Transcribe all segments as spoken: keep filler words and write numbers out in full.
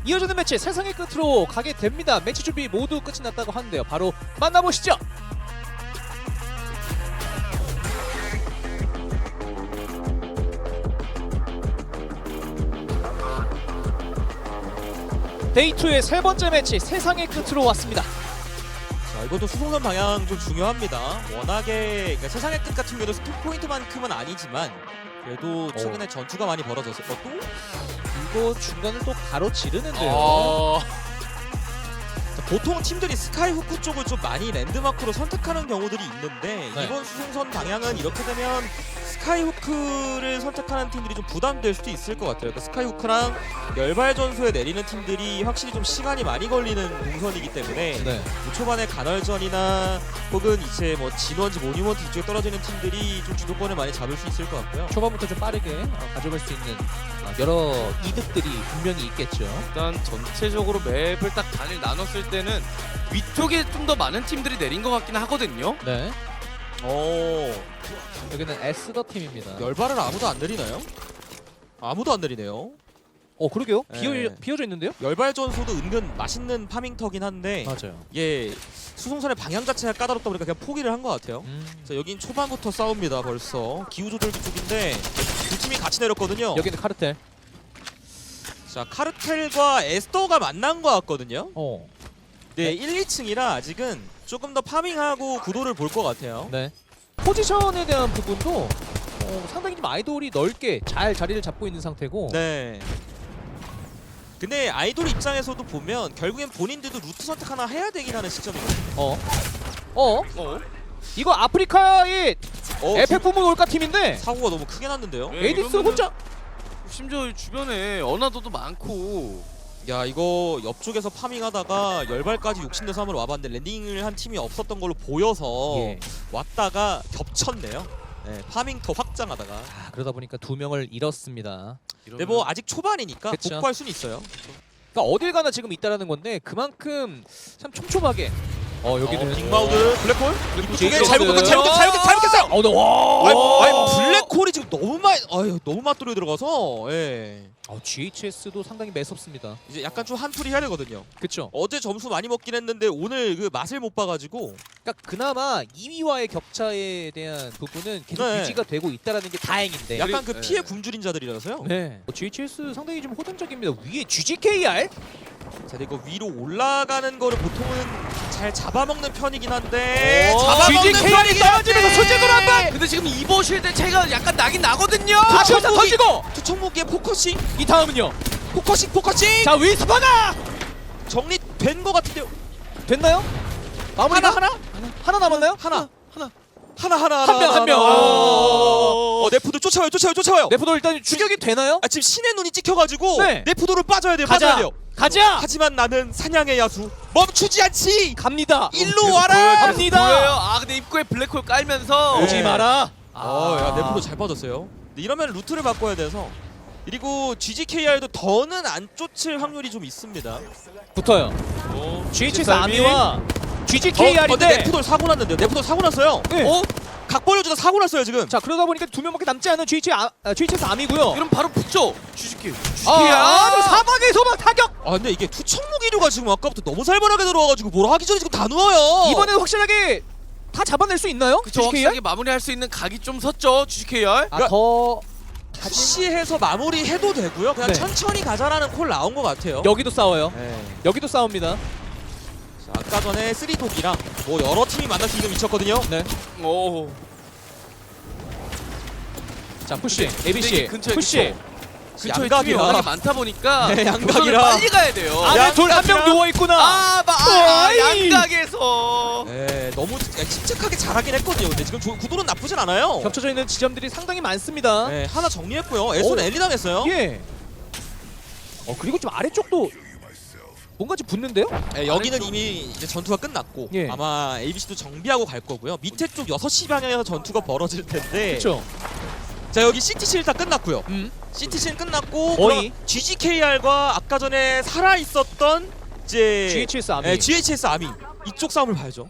이어지는 매치 세상의 끝으로 가게 됩니다. 매치 준비 모두 끝이 났다고 하는데요. 바로 만나보시죠. 데이투의 세 번째 매치 세상의 끝으로 왔습니다. 자, 이것도 수송선 방향 좀 중요합니다. 워낙에 그러니까 세상의 끝 같은 경우도 스톱 포인트만큼은 아니지만 그래도 최근에 오. 전투가 많이 벌어졌을 것도 이거 중간을 또 가로지르는데요. 어... 보통 팀들이 스카이후크 쪽을 좀 많이 랜드마크로 선택하는 경우들이 있는데 네. 이번 수송선 방향은 이렇게 되면 스카이후크를 선택하는 팀들이 좀 부담될 수도 있을 것 같아요. 그러니까 스카이후크랑 열발전소에 내리는 팀들이 확실히 좀 시간이 많이 걸리는 동선이기 때문에 네. 뭐 초반에 간헐전이나 혹은 이제 뭐 진원지 모니먼트 이쪽에 떨어지는 팀들이 좀 주도권을 많이 잡을 수 있을 것 같고요. 초반부터 좀 빠르게 어, 가져갈 수 있는 어, 여러 이득들이 분명히 있겠죠. 일단 전체적으로 맵을 딱 단일 나눴을 때는 위쪽에 좀 더 많은 팀들이 내린 것 같긴 하거든요. 네. 오, 여기는 에스더 팀입니다. 열발을 아무도 안 내리나요? 아무도 안 내리네요. 어 그러게요. 네. 비어 비어져 있는데요? 열발전소도 은근 맛있는 파밍터긴 한데 맞아요. 이게 수송선의 방향 자체가 까다롭다 보니까 그냥 포기를 한 것 같아요. 음. 자, 여긴 초반부터 싸웁니다. 벌써 기후조절기 쪽인데 두 팀이 같이 내렸거든요. 여기는 카르텔. 자, 카르텔과 에스더가 만난 것 같거든요. 어. 네, 일, 이 층이라 아직은 조금 더 파밍하고 구도를 볼 것 같아요. 네. 포지션에 대한 부분도 어, 상당히 좀 아이돌이 넓게 잘 자리를 잡고 있는 상태고. 네. 근데 아이돌 입장에서도 보면 결국엔 본인들도 루트 선택 하나 해야 되긴 하는 시점이거든요. 어. 어. 어? 이거 아프리카의 어, 에펙 부문 올까 팀인데 사고가 너무 크게 났는데요. 네, 에이디스 이러면은 혼자. 심지어 주변에 어나더도 많고 야, 이거 옆쪽에서 파밍하다가 열발까지 욕심내서 한번 와봤는데 랜딩을 한 팀이 없었던 걸로 보여서 예. 왔다가 겹쳤네요. 네, 파밍터 확장하다가. 아, 그러다 보니까 두 명을 잃었습니다. 근데 뭐 아직 초반이니까 그쵸. 복구할 수는 있어요. 그러니까 어딜 가나 지금 있다라는 건데 그만큼 참 촘촘하게. 어 여기는 어, 빅마우드 블랙홀 블랙홀 이쪽에 제이스. 잘못 잘못 잘못 잘못했어요. 어, 네. 와. 아니, 아니 블랙홀이 지금 너무 많이 아유 너무 맞돌려 들어가서 예. 어, 지에이치에스도 상당히 매섭습니다. 이제 약간 좀 한풀이 해야 되거든요. 그렇죠. 어제 점수 많이 먹긴 했는데 오늘 그 맛을 못 봐가지고 그러니까 그나마 이 위와의 격차에 대한 부분은 계속 네. 유지가 되고 있다라는 게 다행인데. 약간 그 네. 피해 굶주린 자들이라서요. 네. 어, 지에이치에스 상당히 좀 호전적입니다. 위에 지지케이알? 자, 근데 이거 위로 올라가는 거를 보통은 잘 잡아먹는 편이긴 한데 오, 잡아먹는 지지케이알이 편이긴 떨어지면서 한데 손재주로 한 번! 근데 지금 이보실 때 차이가 약간 나긴 나거든요. 아, 투척 자, 무기! 던지고! 투척무기의 포커싱 이 다음은요. 포커싱 포커싱 자, 위스퍼나! 정리된 거 같은데요. 됐나요? 마무리가 하나 하나 하나 남았나요? 하나 하나. 하나 하나 한 명, 한 명. 어, 네프도 쫓아와요 쫓아와요 쫓아와요. 네프도 일단 추격이 되나요? 아, 지금 신의 눈이 찍혀가지고 네. 네프도를 빠져야 돼요. 가자. 빠져야 돼요. 가자! 하지만 나는 사냥의 야수 멈추지 않지. 갑니다. 일로 와라. 갑니다. 보여요. 아 근데 입구에 블랙홀 깔면서 네. 오지 마라. 어, 야, 네프도 잘 빠졌어요. 근데 이러면 루트를 바꿔야 돼서 그리고 지지케이알도 더는 안 쫓을 확률이 좀 있습니다. 붙어요. 어, 지에이치에스 칠삼이. 아미와 어, 근데 지지케이알인데. 네프도 사고 났는데요. 네프도 사고 났어요. 네. 어? 각 벌려주다 사고 났어요 지금. 자, 그러다 보니까 두 명밖에 남지 않은 지에이치 아, 아, 지에이치에스 아미고요. 그럼 바로 붙죠. 주식기. 아, 아, 사막의 소막 타격. 아 근데 이게 투척무기류가 지금 아까부터 너무 살벌하게 들어와가지고 뭘 하기 전에 지금 다 누워요. 이번에는 확실하게 다 잡아낼 수 있나요? 그쵸. 지지케이알? 확실하게 마무리할 수 있는 각이 좀 섰죠. 주식케이알. 아, 더 푸시해서 마무리해도 되고요. 그냥 네. 천천히 가자라는 콜 나온 것 같아요. 여기도 싸워요. 네. 여기도 싸웁니다. 자, 아까 전에 쓰리독이랑 뭐 여러 팀이 만나서 이거 미쳤거든요. 네. 오. 자, 푸시. 근데 에이비씨. 이게 근처에 푸시. 근처에 양각이라. 팀이 워낙에 많다 보니까 네, 양각이라. 교전을 빨리 가야 돼요. 안에 양- 둘 한 명 양각이랑- 누워 있구나. 아, 마, 아, 어이. 양각에서. 네, 너무 침착하게 잘하긴 했거든요. 근데 지금 조- 구도는 나쁘진 않아요. 겹쳐져 있는 지점들이 상당히 많습니다. 네, 하나 정리했고요. 에스는 오. 엘리 당했어요. 예. 어, 그리고 좀 아래쪽도 뭔가 좀 붙는데요? 네, 여기는 아래쪽. 이미 이제 전투가 끝났고 예. 아마 에이비씨도 정비하고 갈 거고요. 밑에 쪽 여섯 시 방향에서 전투가 벌어질 텐데. 그렇죠. 자, 여기 씨티씨는 다 끝났고요. 음. 씨티씨는 끝났고 거의. 그럼 지지케이알과 아까 전에 살아 있었던 이제 지에이치에스 아미. 네, 지에이치에스 아미 이쪽 싸움을 봐야죠.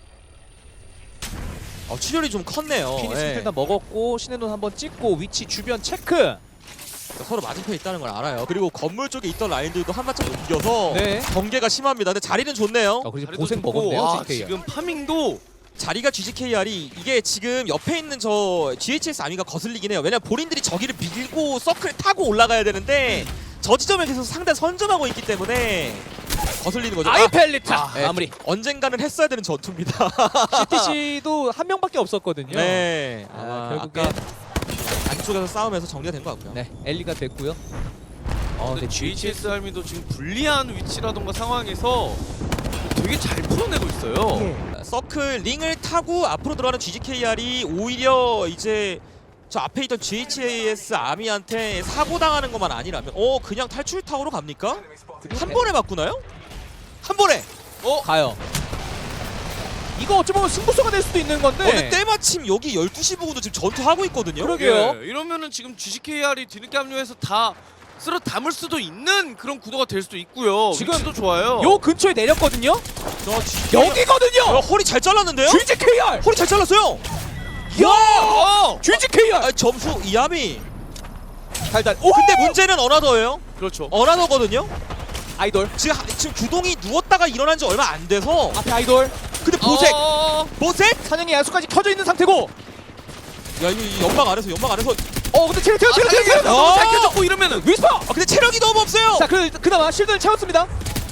어, 출혈이 좀 컸네요. 피니스 예. 일단 먹었고 신의 눈 한번 찍고 위치 주변 체크. 서로 맞은편에 있다는 걸 알아요. 그리고 건물 쪽에 있던 라인들도 한 발짝 옮겨서 네. 경계가 심합니다. 근데 자리는 좋네요. 아, 그리고 자리도 고생 좋고, 먹었네요. 와, 지케이알. 지금 파밍도 자리가 지지케이알이 이게 지금 옆에 있는 저 지에이치에스 아미가 거슬리긴 해요. 왜냐면 본인들이 저기를 밀고 서클을 타고 올라가야 되는데 저 지점에 계속 상대 선점하고 있기 때문에 거슬리는 거죠. 아이 아, 펠리타 네, 마무리. 언젠가는 했어야 되는 전투입니다. 씨티씨도 한 명밖에 없었거든요. 네. 아, 아마 결국에 아까 안쪽에서 싸움에서 정리가 된 것 같고요. 네, 엘리가 됐고요. 어, 근데 네, 지에이치에스 알미도 지금 불리한 위치라던가 상황에서 되게 잘 풀어내고 있어요. 서클 링을 타고 앞으로 들어가는 지지케이알이 오히려 이제 저 앞에 있던 지에이치에스 아미한테 사고 당하는 것만 아니라면 어 그냥 탈출 타워로 갑니까? 한 번에 바꾸나요? 한 번에. 어? 가요. 이거 어찌 보면 승부수가 될 수도 있는 건데. 어, 근데 때마침 여기 열두 시 부근도 지금 전투하고 있거든요. 그러게요. 예, 이러면은 지금 지지케이알이 뒤늦게 합류해서 다 쓸어 담을 수도 있는 그런 구도가 될 수도 있고요. 지금 위치도 좋아요. 요 근처에 내렸거든요. 저 지지케이알- 여기거든요. 어, 허리 잘 잘랐는데요? 지지케이알. 허리 잘 잘랐어요. 야! 어! 지지케이알. 아, 점수 이하미. 달달. 오! 근데 문제는 어나더예요. 그렇죠. 어나더거든요. 아이돌. 지금 하- 지금 주동이 누웠다가 일어난 지 얼마 안 돼서 앞에 아이돌. 근데 보색 어, 보색 사냥의 야수까지 켜져 있는 상태고. 야 이거 이 연막 안에서 연막 안에서 어, 근데 체력 체력 아, 체력 체력 체력. 너무 어! 잘 켜졌고 이러면은 위스퍼. 아 근데 체력이 너무 없어요. 자, 그 그나마 실드를 채웠습니다.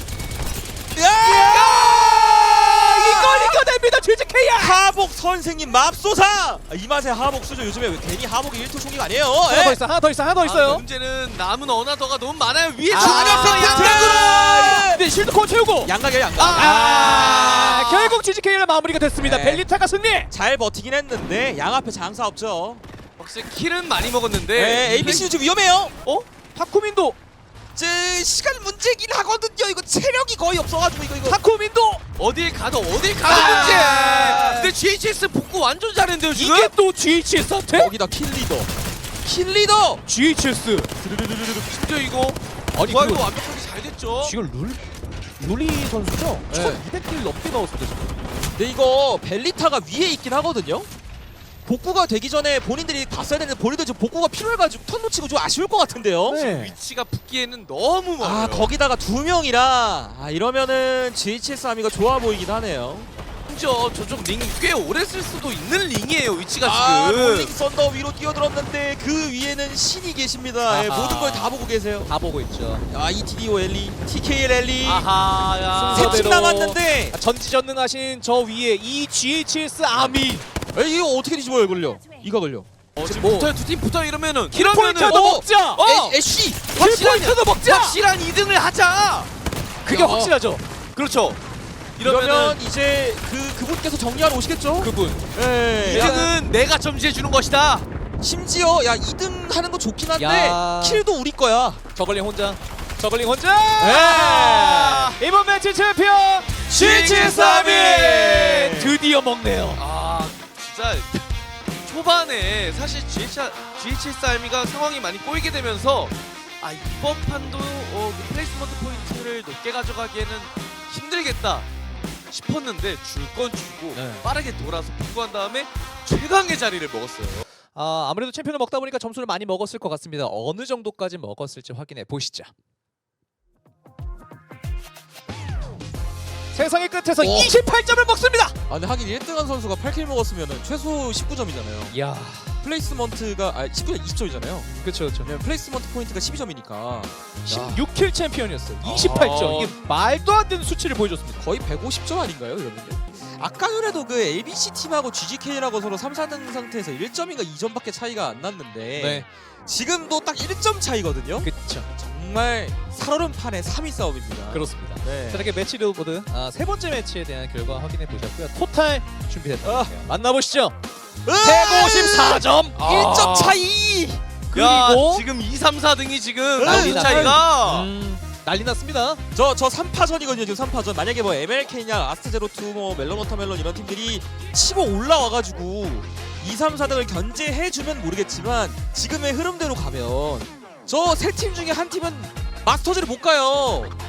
야! 이걸 이겨냅니다. 지지케이알. 하복 선생님 맙소사. 아, 이 맛에 하복 수죠. 요즘에 왜 괜히 하복이 일토 총기가 아니에요. 하나 예? 더 있어. 하나 더 있어. 하나 더 아, 있어요. 문제는 남은 어나더가 너무 많아요. 위에 아, 중간에서 아, 양각으로. 근데 실드 코어 채우고. 양각이에요 양각. 아, 결국 지지케이알 마무리가 됐습니다. 네. 벨리타가 승리. 잘 버티긴 했는데 양 앞에 장사 없죠. 확실히 킬은 많이 먹었는데. 네, 에이비씨는 좀 위험해요. 어? 타쿠민도. 제 시간 문제긴 하거든요. 이거 체력이 거의 없어가지고 이거 이거. 타쿠민도. 어딜 가도 어딜 가도 아. 문제. 근데 지에이치에스 복구 완전 잘했는데요 지금. 이게 또 지에이치에스 한테? 거기다 킬리더. 킬리더. 지에이치에스. 심지어 이거 아니 부활도 그 완벽하게 잘 됐죠. 지금 룰 룰리 선수죠? 네. 천이백 킬 넘게 넣었습니다 지금. 근데 이거 벨리타가 위에 있긴 하거든요. 복구가 되기 전에 본인들이 봤어야 되는데 본인들 지금 복구가 필요해가지고 턴 놓치고 좀 아쉬울 것 같은데요. 네. 위치가 붙기에는 너무 멀어요. 아 거기다가 두 명이라 아 이러면은 지에이치에스 아미가 좋아 보이긴 하네요. 심지어 저쪽 링 꽤 오래 쓸 수도 있는 링이에요. 위치가 아 지금. 롤링 썬더 위로 뛰어들었는데 그 위에는 신이 계십니다. 예, 아하. 모든 걸 다 보고 계세요. 다 보고 있죠. 아 이티디오 엘리, 티케이엘 엘리 아하, 야. 세 팀 순서대로. 남았는데 아, 전지전능하신 저 위에 이 지에이치에스 아미. 에이, 이거 어떻게 뒤집어요 걸려? 이가 걸려. 어, 지금 뭐- 붙어요. 두 팀 붙어 이러면은 킬포인트도 이러면은 어! 먹자. 어! 애, 애쉬 킬포인트도 먹자. 확실한 이 등을 하자. 그게 야. 확실하죠. 그렇죠. 이러면 이러면은 이제 그 그분께서 정리하러 오시겠죠? 그분. 예. 이 등은 내가 점지해 주는 것이다. 심지어 야 이 등 하는 거 좋긴 한데 야. 킬도 우리 거야. 저글링 혼자. 저글링 혼자. 네. 이번 매치 챔피언 지에이치에스 아미 드디어 먹네요. 아, 진짜 초반에 사실 지에이치에스 알미가 상황이 많이 꼬이게 되면서 아 이번 판도 어, 그 플레이스먼트 포인트를 높게 가져가기에는 힘들겠다 싶었는데 줄 건 주고 네. 빠르게 돌아서 복구한 다음에 최강의 자리를 먹었어요. 아, 아무래도 챔피언을 먹다 보니까 점수를 많이 먹었을 것 같습니다. 어느 정도까지 먹었을지 확인해 보시죠. 세상의 끝에서 오. 이십팔 점을 먹습니다. 아 근데 하긴 일 등 한 선수가 팔 킬 먹었으면 최소 십구 점이잖아요. 이야, 플레이스먼트가 아 십구 점 이십 점이잖아요. 그렇죠, 그렇죠. 왜냐면 플레이스먼트 포인트가 십이 점이니까 십육 킬 챔피언이었어요. 이십팔 점. 아. 이게 말도 안 되는 수치를 보여줬습니다. 거의 백오십 점 아닌가요 이러는데? 아까 전에도 그 에이비씨 팀하고 지지케이라고 서로 삼, 사 등 상태에서 일 점인가 이 점밖에 차이가 안 났는데 네, 지금도 딱 일 점 차이거든요. 그렇죠. 정말 살얼음 판의 삼 위 싸움입니다. 그렇습니다. 네. 자, 이렇게 매치 리보드 아, 세 번째 매치에 대한 결과 확인해 보셨고요. 토탈 준비됐다. 아. 만나보시죠. 으아! 백오십사 점. 일 점 차이. 야, 그리고 지금 이, 삼, 사 등이 지금 난리 점수 났- 차이가 음, 난리 났습니다. 저 저 삼 파전이거든요 지금 삼 파전. 만약에 뭐 엠엘케이냐 아스트제로투 뭐 멜론 워터멜론 이런 팀들이 치고 올라와가지고 이, 삼, 사 등을 견제해주면 모르겠지만 지금의 흐름대로 가면 저 세 팀 중에 한 팀은 마스터즈를 못 가요.